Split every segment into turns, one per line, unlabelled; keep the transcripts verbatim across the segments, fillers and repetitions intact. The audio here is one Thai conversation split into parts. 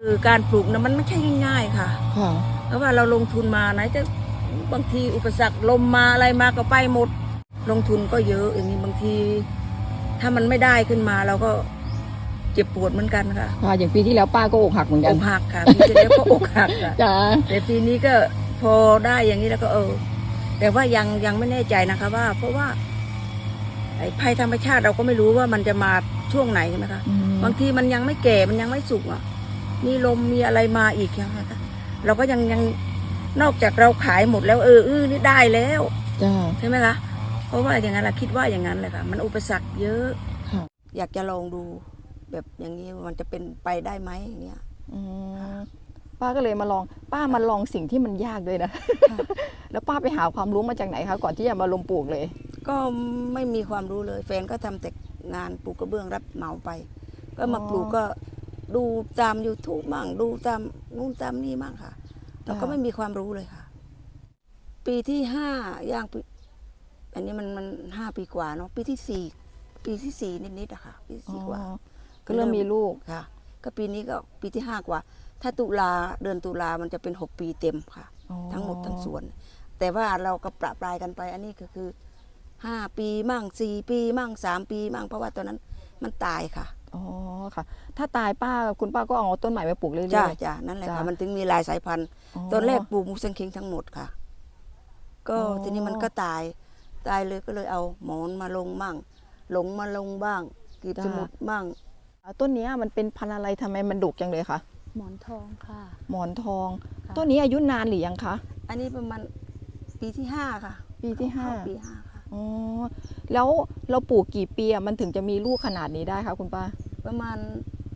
คือการปลูกนะมันไม่ใช่ง่ายๆค่ะเพราะว่าเราลงทุนมาไหนจะบางทีอุปสรรคลมมาอะไรมาก็ไปหมดลงทุนก็เยอะอย่างนี้บางทีถ้ามันไม่ได้ขึ้นมาเราก็เจ็บปวดเหมือนกันค่ะ
ค่ะอย่างปีที่แล้วป้าก็อกหักเหมือนกัน
อกหักค่ะปีที่แล้วก็อกหักค่ะ
จ้า
แต่ปีนี้ก็พอได้อย่างนี้แล้วก็เออแต่ว่ายังยังไม่แน่ใจนะคะว่าเพราะว่าไอ้ภัยธรรมชาติเราก็ไม่รู้ว่ามันจะมาช่วงไหนใช่ไหมคะบางทีมันยังไม่แก่มันยังไม่สุกอ่ะมีลมมีอะไรมาอีกนะคะเราก็ยังยังนอกจากเราขายหมดแล้วเอออื้อนี่ได้แล้ว
จ้า
ใช่ไหมคะเพราะว่าอย่างนั้นเราคิดว่าอย่างนั้นเลยค่ะมันอุปสรรคเยอะอยากจะลองดูแบบอย่างนี้มันจะเป็นไปได้ไหมอย่างเงี้ย
ป้าก็เลยมาลองป้ามาลองสิ่งที่มันยากด้วยนะแล้วป้าไปหาความรู้มาจากไหนคะก่อนที่จะมาลงปลูกเลย
ก็ไม่มีความรู้เลยแฟนก็ทำแต่งานปลูกกระเบื้องรับเหมาไปก็มาปลูกก็ดูตาม ยูทูบ มั่งดูตามนู่นตามนี่มั่งค่ะเราก็ไม่มีความรู้เลยค่ะปีที่ห้าย่างอันนี้มันมันห้าปีกว่าเนาะปีที่สี่ปีที่สี่นิดๆอะค่ะปีที่สี่กว่า
ก็เริ่มมีลูก
ค่ะก็ปีนี้ก็ปีที่ห้ากว่าถ้าตุลาเดือนตุลามันจะเป็นหกปีเต็มค่ะทั้งหมดทั้งส่วนแต่ว่าเราก็ประปรายกันไปอันนี้ก็คือห้าปีมั่งสี่ปีมั่งสามปีมั่งเพราะว่าตอนนั้นมันตายค่ะ
อ๋อค่ะถ้าตายป้าคุณป้าก็เอาต้นใหม่ไปปลูกเรื่อยๆ
จ้าจ้านั่นแหละค่ะมันถึงมีหลายสายพันธุ์ตอนแรกปลูกมูสังคิงทั้งหมดค่ะก็ทีนี้มันก็ตายตายเลยก็เลยเอาหมอนมาลงมั่งหลงมาลงบ้างกีบสมุดบ้าง
ต้นนี้มันเป็นพันธุ์อะไรทำไมมันดุจังเลยคะ
หมอนทองค่ะ
หมอนทองต้นนี้อายุนานหรือยังคะ
อันนี้ประมาณปีที่ห้าค่ะ
ปีที่ห้า
ปีห้าค่ะ
อ๋อแล้วเราปลูกกี่ปีมันถึงจะมีลูกขนาดนี้ได้คะคุณป้า
ประมาณ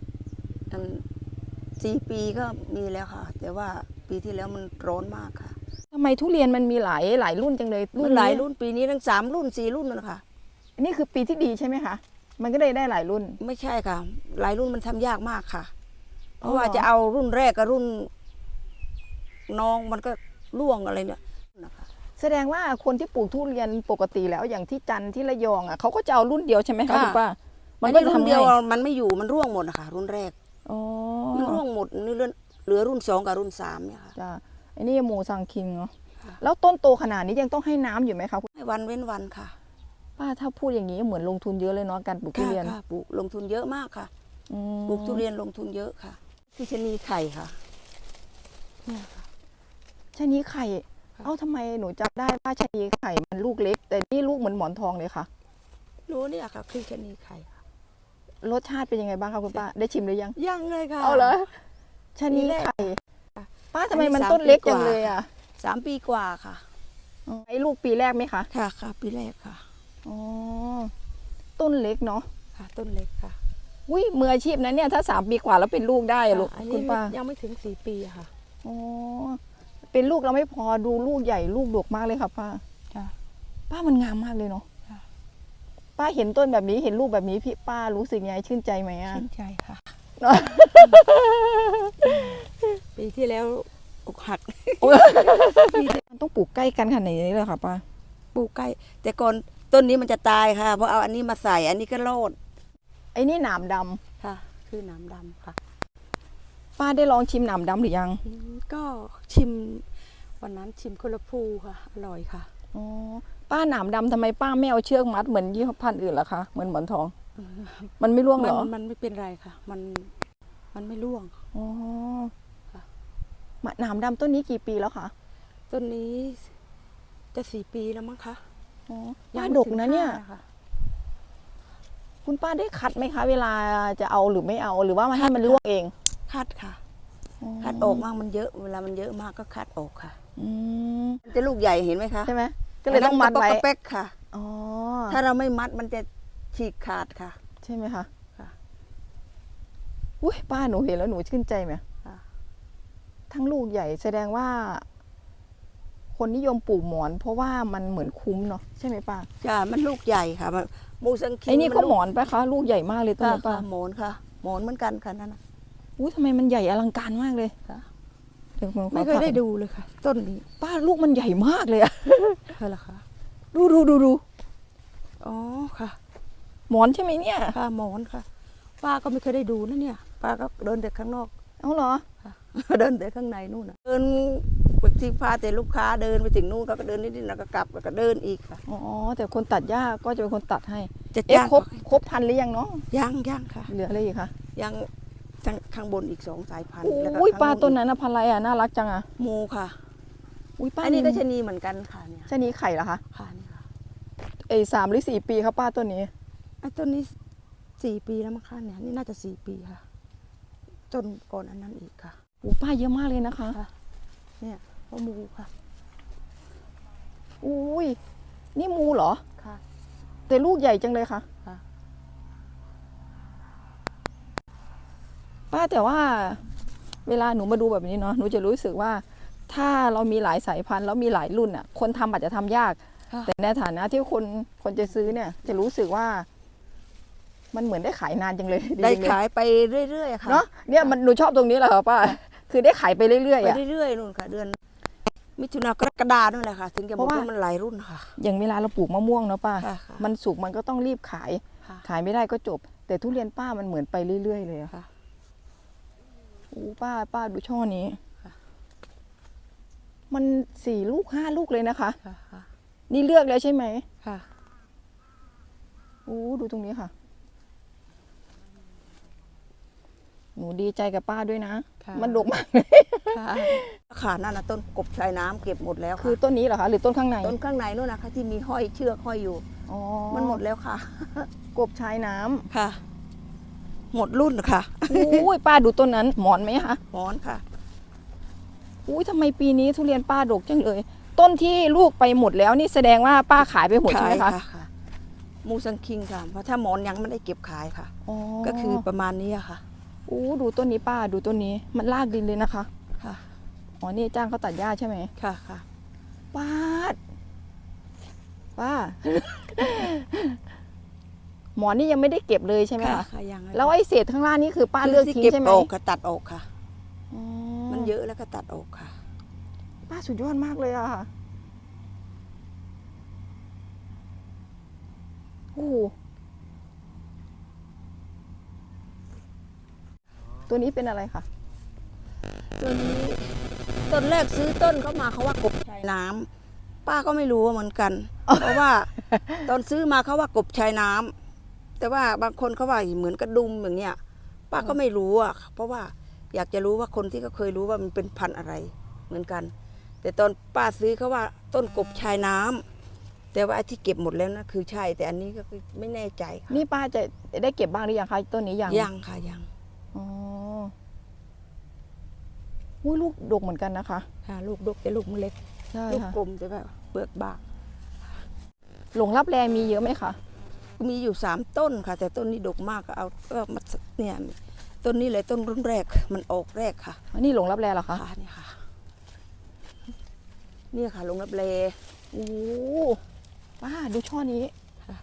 สี่ปีก็มีแล้วค่ะแต่ว่าปีที่แล้วมันร้อนมากค่ะ
ทำไมทุเรียนมันมีหลายหลายรุ่นจังเลย
รุ่นหลายรุ่นปีนี้ทั้งสามรุ่นสี่รุ่นเลยค่ะ
อันนี้คือปีที่ดีใช่ไหมคะมันก็เลยได้หลายรุ่น
ไม่ใช่ค่ะหลายรุ่นมันทำยากมากค่ะเพราะว่าจะเอารุ่นแรกกับรุ่นน้องมันก็ร่วงอะไรเนี่ยนะคะ
แสดงว่าคนที่ปลูกทุเรียนปกติแล้วอย่างที่จันทร์ที่ระยองอ่ะเขาก็จะเอารุ่นเดียวใช่ไหมคะคุณป้า
มันก็รุ่นเดียวมันไม่อยู่มันร่วงหมดนะคะรุ่นแรก
อ๋อ
มันร่วงหมดนี่เหลือรุ่นสองกับรุ่นสามเนี่ยค่ะ
จ้าอันนี้หมูสังคิงเนาะแล้วต้นโตขนาดนี้ยังต้องให้น้ำอยู่ไหมคะ
ให้วันเว้นวันค่ะ
ป้าถ้าพูดอย่างนี้เหมือนลงทุนเยอะเลยเนาะการปลูกทุเรียน
ปลูกลงทุนเยอะมากค่ะปลูกทุเรียนลงทุนเยอะค่ะที่ชะนีไข่ค่ะ
เนี่ยค่ะชะนีไข่เอ้าทำไมหนูจำได้ว่าชะนีไข่มันลูกเล็กแต่นี่ลูกเหมือนหมอนทองเลยค่ะ
รู้เนี่ยค่ะคือชะนีไข่
รสชาติเป็นยังไงบ้างคะคุณป้าได้ชิมหรือยัง
ยังเลยค่ะ
เอาเหรอชะนีไข่ป้าทำไมมันต้นเล็กจังเลยอ่ะ
สามปีกว่าค่ะ
ไอ้ลูกปีแรกไหมคะ
ค่ะค่ะปีแรกค่ะ
อ๋อต้นเล็กเนาะ
ค่ะต้นเล็กค่ะ
อุ้ยมืออาชีพนะเนี่ยถ้าสามปีกว่าแล้วเป็นลูกได้อะลูกคุณป้า
ยังไม่ถึงสี่ปีค่ะ
อ๋อเป็นลูกเราไม่พอดูลูกใหญ่ลูกดกมากเลยค่ะป้า
ค่ะ
ป้ามันงามมากเลยเนาะป้าเห็นต้นแบบนี้เห็นลูกแบบนี้พี่ป้ารู้สึกไงชื่นใจไหมอ่ะ
ชื่นใจค่ะปีที่แล้วอกหัก
มันต้องปลูกใกล้กันขนาดนี้เลยค่ะป้า
ปลูกใกล้แต่ก่อนต้นนี้มันจะตายค่ะเพราะเอาอันนี้มาใส่อันนี้ก็โลด
ไอ้นี่หนามด
ำค่ะคือหนามดำค่ะ
ป้าได้ลองชิมหนามดำหรือยัง
ก็ชิมวันนั้นชิมคนละภูค่ะอร่อยค่ะ
อ๋อป้าหนามดำทำไมป้าไม่เอาเชือกมัดเหมือนยี่ห้อพันธุ์อื่นล่ะคะเหมือนหมอนทองมันไม่ร่วงเหรอ
มันไม่เป็นไรค่ะมันมันไม่ร่วง
อ๋อหนามดำต้นนี้กี่ปีแล้วคะ
ต้นนี้จะสี่ปีแล้วมั้งคะ
อ๋อป้าดกนะเนี่ยคุณป้าได้คัดไหมคะเวลาจะเอาหรือไม่เอาหรือว่ามาให้มันร่วงเอง
คัดค่ะคัดออกมากมันเยอะเวลามันเยอะมากก็คัดออกค่ะมันจะลูกใหญ่เห็นไหมคะ
ใช่ไหมก็เลยต้องมัดไว้
เป๊กค่ะอ๋อถ้าเราไม่มัดมันจะฉีกขาดค่ะ
ใช่ไหมคะค่ะอุ้ยป้าหนูเห็นแล้วหนูชื่นใจไหมทั้งลูกใหญ่แสดงว่าคนนิยมปลูกหมอนเพราะว่ามันเหมือนคุ้มเนาะใช่ไหมป้า
จ้ามันลูกใหญ่ค่ะมูสังคี
ไอ้นี่ก็หมอนปะคะลูกใหญ่มากเลยต้นป้า
หมอนค่ะหมอนเหมือนกันค่ะนั่นนะ
อุ้ยทำไมมันใหญ่อลังการมากเลย
ไม่เคยได้ดูเลยค่ะต้นนี้
ป้าลูกมันใหญ่มากเลยอะ
ใช่หรอคะ
ดูดูดูดู
อ๋อค่ะ
หมอนใช่ไหมเนี่ย
ค่ะหมอนค่ะป้าก็ไม่เคยได้ดูนะเนี่ยป้าก็เดินเด็กข้างนอก
เอาเหรอ
เดินแต่ข้างในนู่นน่ะเดินบางทีพาแต่ลูกค้าเดินไปถึงนู่นเขาก็เดินนิดๆแล้วก็กลับแล้วก็เดินอีกค่ะ
อ๋อแต่คนตัดหญ้าก็จะเป็นคนตัดให้
จะ
เอ๊ะ
จ้าง
ครบครบพันหรือยังเนาะ
ยังยังค่ะ
เหลืออะไรอีกคะ
ยังข้างบนอีกสองสายพันธุ์แล้วก็
อุ้ย
ข้ง
ปลาตัวนั้นนะพันอะไรอ่ะน่ารักจังอ่ะ
หมูค่ะ
อุ้ยป้า
อันนี้ก็ชะนีเหมือนกันค่ะเนี่ย
ชะนีไข่เหรอคะ
ค่ะนี่ค่ะ
เอ้ยสามหรือสี่ปีครับป้าตัวนี้
ไอ้ต้นนี้สี่ปีแล้วมั้งคะเนี่ยนี่น่าจะสี่ปีค่ะต้นก่อนอันนั้นอีกค่ะ
โอ้ป้าเยอะมากเลยนะคะ
ค่ะ เนี่ยพ่อหมูค่ะ
อุ้ยนี่มูเหรอ
ค่ะ
แต่ลูกใหญ่จังเลยค่ะ
ค่ะ
ป้าแต่ว่าเวลาหนูมาดูแบบนี้เนาะหนูจะรู้สึกว่า ถ้าเรามีหลายสายพันธุ์แล้วมีหลายรุ่นอ่ะ คนทำอาจจะทำยาก
ค่ะ
แต่ในฐานะที่คนคนจะซื้อเนี่ย จะรู้สึกว่า มันเหมือนได้ขายนานจังเลย
ได้
จังเลย
ขายไปเรื่อยๆค่ะ
เนาะเนี่ยมันหนูชอบตรงนี้แหละค่ะป้า คือได้ขายไปเรื่อยๆ
ไป
อ่ะ
เรื่อยๆนู่นค่ะ เดือน มิถุนากรกฎานู่นแหละค่ะ ถึงจะบ
เพ
อก
ราะว่า
ว่ามันหลายรุ่นค่ะ
อย่างเวลาเราปลูกมะม่วงเนาะป้า
ค่ะค่ะ
มันสุกมันก็ต้องรีบขาย
ค่ะ
ขายไม่ได้ก็จบ แต่ทุเรียนป้ามันเหมือนไปเรื่อยๆเลยอะ
ค่ะ
โอ้ป้าป้าดูช่อนี้
ค่ะ
มันสี่ลูกห้าลูกเลยนะคะ
ค่ะค่ะ
นี่เลือกแล้วใช่ไหม
ค่ะ
โอ้ดูตรงนี้ค่ะ หนูดีใจกับป้าด้วยนะ
ค่ะ
มันดกมาก
ค่ะค่ะนั่นนะต้นกบชายน้ำเก็บหมดแล้ว
คือ
ค่ะ
ต้นนี้เหรอคะหรือต้นข้างใน
ต้นข้างในนู่นนะคะที่มีห้อยเชือกห้อยอยู่
อ๋อ
มันหมดแล้วค่ะ
กบชายน้ำ
ค่ะ หมดรุ่นค่ะ
อุ้ยป้าดูต้นนั้น หมอนไหมคะ
หมอนค่ะ
อุ้ยทำไมปีนี้ทุเรียนป้าดกจังเลย ต้นที่ลูกไปหมดแล้วนี่แสดงว่าป้าขายไปหมดใช่ไหมคะ
ขายค่ะมูซังคิงค่ะ เพราะถ้าหมอนยังไม่ได้เก็บขายค่ะ
อ๋อ
ก็คือประมาณนี้อะค่ะ
อู้ดูต้นนี้ป้าดูต้นนี้มันลากดินเลยนะคะ
ค่ะ
อ๋อนี่จ้างเขาตัดหญ้าใช่ไหม
ค่ะค่ะ
ป้าดป้า หมอนี่ยังไม่ได้เก็บเลยใช่ไหม
ค่ะ
คะ
ค่ะยัง
แล้วไอ้เศษข้างล่างนี่คือป้า
คือ
เลือก
ที่
ทิ้ง
เก็บ
ใช่ไหม
ออกค่ะตัดออกค่ะ
อ๋อ
มันเยอะแล้วก็ตัดออกค่ะ
ป้าสุดยอดมากเลยอะค่ะโอ้โหตัวนี้เป็นอะไรคะ
ตัวนี้ต้นแรกซื้อต้นเขามาเขาว่ากบชายน้ำป้าก็ไม่รู้เหมือนกัน เพราะว่าตอนซื้อมาเขาว่ากบชายน้ำแต่ว่าบางคนเขาว่าเหมือนกระดุมอย่างเงี้ยป้าก็ไม่รู้อ่ะเพราะว่าอยากจะรู้ว่าคนที่เขาเคยรู้ว่ามันเป็นพันธุ์อะไรเหมือนกัน แต่ตอนป้าซื้อเขาว่าต้นกบชายน้ำแต่ว่าไอ้ที่เก็บหมดแล้วนะคือใช่ แต่อันนี้ก็คือไม่แน่ใจค่ะ
นี่ป้าจะได้เก็บบ้างหรือยังคะต้นนี้ยัง
ยังค่ะยัง
อ๋ออุ้ยลูกดกเหมือนกันนะคะ
ค่ะลูกดกแต่ลูกมันเล็ก
ใช่
ลูก
ค่ะ
กลมแต่แบบเปลือกบาง
หลงรับแรมีเยอะไหมคะ
มีอยู่สามต้นค่ะ แต่ต้นนี้ดกมากก็เอาก็มาเนี่ยต้นนี้เลยต้นรุ่นแรกมันออกแรกค่ะ
อันนี้หลงรับแรเหรอคะ
ค่ะนี่ค่ะเนี่ยค่ะลงรับเล
โอ้ป้าดูช่อนี้
ค่ะ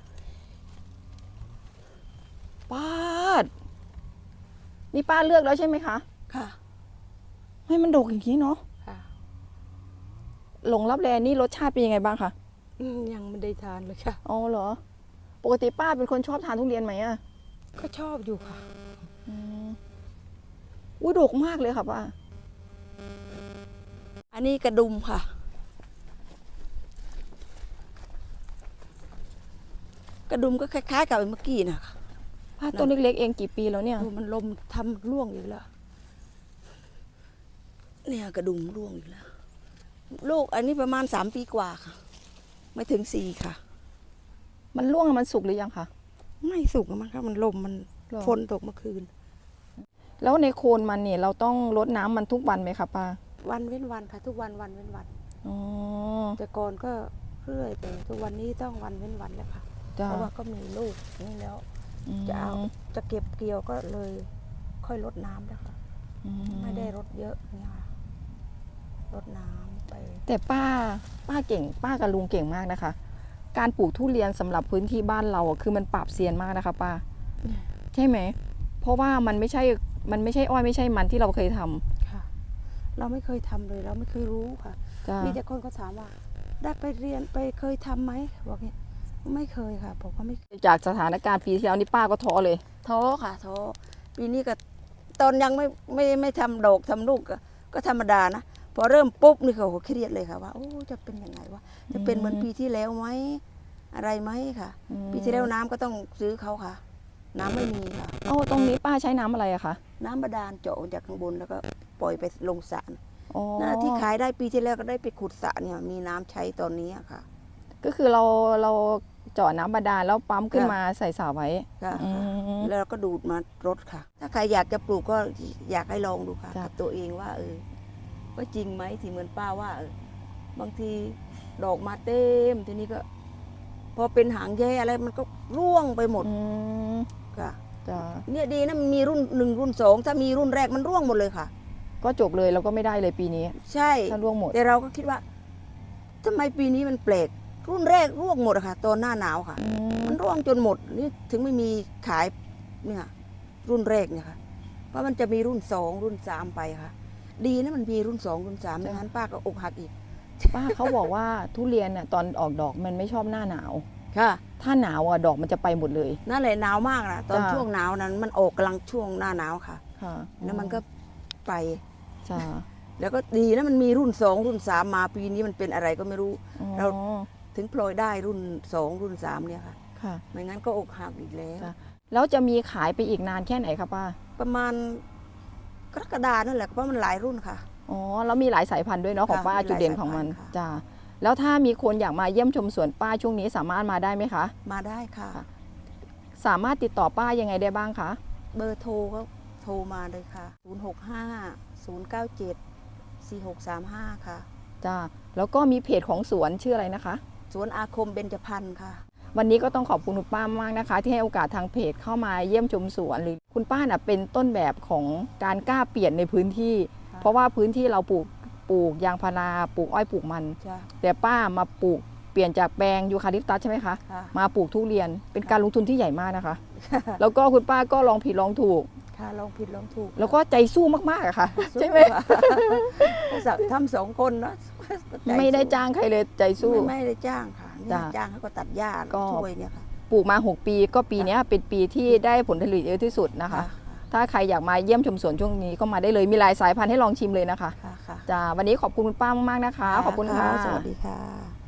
ป้าดนี่ป้าเลือกแล้วใช่ไหมคะ
ค่ะ
ให้มันดกอย่างนี้เนาะ
ค่ะ
หลงรับแรนี่รสชาติเป็นยังไงบ้างคะ
อืมยังไม่ได้ทานเลยค่ะ
อ๋อเหรอ ปกติป้าเป็นคนชอบทานทุเรียนไหมอะ
ก็ชอบอยู่ค่ะ
อืมอุ้ยดกมากเลยค่ะป้า
อันนี้กระดุมค่ะ กระดุมก็คล้ายๆกับเมื่อกี้นะคะ
ป้าต้นเล็กๆเองกี่ปีแล้วเนี่ย
ดูมันลมทำร่วงอีกแล้ว เนี่ยกระดุมร่วงอีกแล้ว ลูกอันนี้ประมาณสามปีกว่าค่ะ ไม่ถึงสี่ค่ะ
มันร่วงมันสุกหรือยังคะ
ไม่สุกอะมั้งคะมันลมมัน
หรอ
ฝนตกเมื่อคืน
แล้วในโคนมันเนี่ยเราต้องรดน้ำมันทุกวันไหมคะป้า
วันเว้นวันค่ะ ทุกวันวันเว้นวัน
อ๋อ
แต่ก่อนก็เรื่อยแต่ทุกวันนี้ต้องวันเว้นวันแล้วค่ะ
จ้า
เพราะว่าก็มีลูกนี่แล้ว จะเอาจะเก็บเกี่ยวก็เลยค่อยลดน้ำแล้วค่ะ
อืม
ไม่ได้รดเยอะเนี่ยค่ะรดน้ำไป
แต่ป้าป้าเก่ง ป้ากับลุงเก่งมากนะคะ การปลูกทุเรียนสำหรับพื้นที่บ้านเราอะคือมันปราบเซียนมากนะคะ ป้า ใช่ไหม เพราะว่ามันไม่ใช่ มันไม่ใช่อ้อยไม่ใช่มันที่เราเคยทำ
ค่ะ เราไม่เคยทำเลยเราไม่เคยรู้ค่ะ
จ้า
มีแต่คนก็ถามว่า ได้ไปเรียนไปเคยทำไหมบอกเนี่ยไม่เคยค่ะบอกว่าไม่
จากสถานการณ์ปีที่แล้วนี่ป้าก็ท้อเลย
ท้อค่ะท้อปีนี้ก็ตอนยังไม่ไม่ไม่ทำดอกทำลูกก็ก็ธรรมดานะพอเริ่มปุ๊บนี่เขาเครียดเลยค่ะว่าโอ้จะเป็นยังไงวะจะเป็นเหมือนปีที่แล้วไหมอะไรไหมค่ะ
อืม
ปีที่แล้วน้ำก็ต้องซื้อเขาค่ะ น้ำไม่มีค่ะ
เอาตรงนี้ป้าใช้น้ำอะไรอะคะ
น้ำบาดาลเจาะจากข้างบนแล้วก็ปล่อยไปลงสระ
อ๋อ
นั่นแหละที่ขายได้ปีที่แล้วก็ได้ไปขุดสระเนี่ยมีน้ำใช้ตอนนี้อะค่ะ
ก็คือเราเราเจาะน้ำบาดาลแล้วปั๊มขึ้น
ค่ะ
มาใส่สระไว้
ค่ะ
อืม
แล้วเราก็ดูดมารดค่ะ ถ้าใครอยากจะปลูกก็อยากให้ลองดูค่ะ
จ้ะ
กับตัวเองว่า เออว่าจริงไหมที่เหมือนป้าว่าเออบางทีดอกมาเต็มทีนี้ก็ พอเป็นหางแย่อะไรมันก็ร่วงไปหมด
อืม
ค่ะ
จ้ะ
เนี่ยดีนะมันมีรุ่นหนึ่งรุ่นสองถ้ามีรุ่นแรกมันร่วงหมดเลยค่ะ
ก็จบเลยเราก็ไม่ได้เลยปีนี้
ใช่
ถ้าร่วงหมด
แต่เราก็คิดว่าทำไมปีนี้มันแปลก รุ่นแรกร่วงหมดอะค่ะ ตอนหน้าหนาวค่ะ
อืม
มันร่วงจนหมดนี่ถึงไม่มีขายเนี่ยรุ่นแรกเนี่ยค่ะ เพราะมันจะมีรุ่นสองรุ่นสามไปค่ะ ดีนะมันมีรุ่นสองรุ่นสามไม่งั้นป้าก็อกหักอีก
ป้าเขาบอกว่าทุเรียนน่ะตอนออกดอกมันไม่ชอบหน้าหนาว
ค่ะ
ถ้าหนาวอ่ะดอกมันจะไปหมดเลย
นั่นแหละหนาวมากนะตอน
จ้ะ
ช่วงหนาวนั้น มันออกกำลังช่วงหน้าหนาวค่ะ
ค่ะ
แล้วมันก็ไป
จ้ะ
แล้วก็ดีนะมันมีรุ่นสองรุ่นสามมาปีนี้มันเป็นอะไรก็ไม่รู้
อ๋อ
เรา ถึงพลอยได้รุ่นสองรุ่นสามเนี่ยค่ะ
ค่ะ
ไม่งั้นก็อกหักอีกแล้ว
จ้ะ แล้วจะมีขายไปอีกนานแค่ไหนคะป้า
ประมาณกรกฎานั่นแหละเพราะมันหลายรุ่นค่ะ
อ๋อแล้วมีหลายสายพันธุ์ด้วยเนาะของ
ค่ะ
ป้า
มีหลาย
จุดเด่นของมัน
สายพันธุ์ค่ะ
จ้าแล้วถ้ามีคนอยากมาเยี่ยมชมสวนป้าช่วงนี้สามารถมาได้ไหมคะ
มาได้ค่ะ
ค่ะ สามารถติดต่อป้ายังไงได้บ้างคะ
เบอร์โทรก็โทรมาเลยค่ะ ศูนย์ หก ห้า ศูนย์ เก้า เจ็ด สี่ หก สาม ห้า ค่ะ
จ้าแล้วก็มีเพจของสวนชื่ออะไรนะคะ
สวนอาคมเบญจพรรณค่ะ
วันนี้ก็ต้องขอบคุณคุณป้ามากนะคะ ที่ให้โอกาสทางเพจเข้ามาเยี่ยมชมสวนหรือคุณป้าน่ะเป็นต้นแบบของการกล้าเปลี่ยนในพื้นที่
ค่ะ
เพราะว่าพื้นที่เราปลูกปลูกยางพาราปลูกอ้อยปลูกมัน
จ้ะ
แต่ป้ามาปลูกเปลี่ยนจากแปลงยูคาลิปตัสใช่ไหมคะ
ค่ะ
มาปลูกทุเรียนเป็นการลงทุนที่ใหญ่มากนะคะ แล้วก็คุณป้าก็ลองผิดลองถูก
ค่ะลองผิดลองถูก
แล้วก็ใจสู้มากๆอะค่ะ ใช่ไหม
ค่ะทำสองคนนะใจ
ไม่ได้
สู้
จ้างใครเลยใจสู้
ไม่ไม่ได้จ้างค่ะเนี่ย
จ้ะ
จ้างเขาก็ตัดหญ้า
ก็
ช่วยเนี่ยค่ะ
ปลูกมา หก ปีก็ปีเนี้ยเป็นปีที่ได้ผลผลิตเยอะที่สุดนะคะ ถ้าใครอยากมาเยี่ยมชมสวนช่วงนี้ก็มาได้เลยมีหลายสายพันธุ์ให้ลองชิมเลยนะคะ
ค่ะค่ะ
จ้าวันนี้ขอบคุณคุณป้ามากๆนะคะ ขอบคุณค่ะ
สวัสดีค่ะ